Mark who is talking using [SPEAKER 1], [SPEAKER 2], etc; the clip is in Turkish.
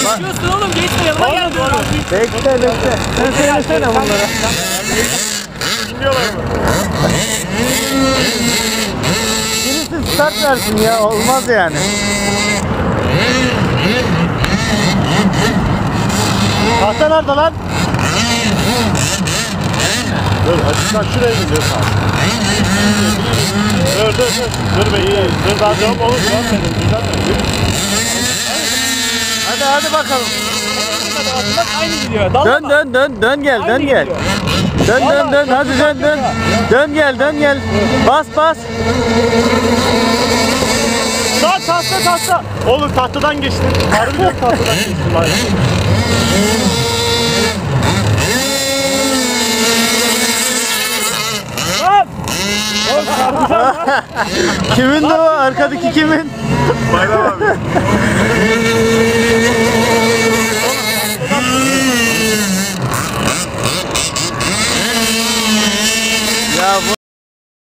[SPEAKER 1] Geçiyorsun oğlum, geçme, yanıma gel diyorum.
[SPEAKER 2] Bekle. Sen söylesene bunlara.
[SPEAKER 3] Bilmiyorlar mı?
[SPEAKER 2] Birisi start versin ya, olmaz yani. Tahta nerede lan?
[SPEAKER 3] Dur açıktan şuraya gidiyoruz abi. Dur. Dur bekle. Dur daha devam olur. Görmedim. Güzel mi?
[SPEAKER 2] Hadi bakalım.
[SPEAKER 1] Bak aynı gidiyor. Dallama.
[SPEAKER 2] Dön gel.
[SPEAKER 1] Aynı gidiyor.
[SPEAKER 2] Dön. Hadi dön. Dön gel. Bas.
[SPEAKER 3] Tahta. Oğlum tahtadan geçtin. Harbi yok tahtadan geçtin.
[SPEAKER 2] Kimin de o? Arkadaki kimin?
[SPEAKER 3] Bayram abi.
[SPEAKER 2] Ya bu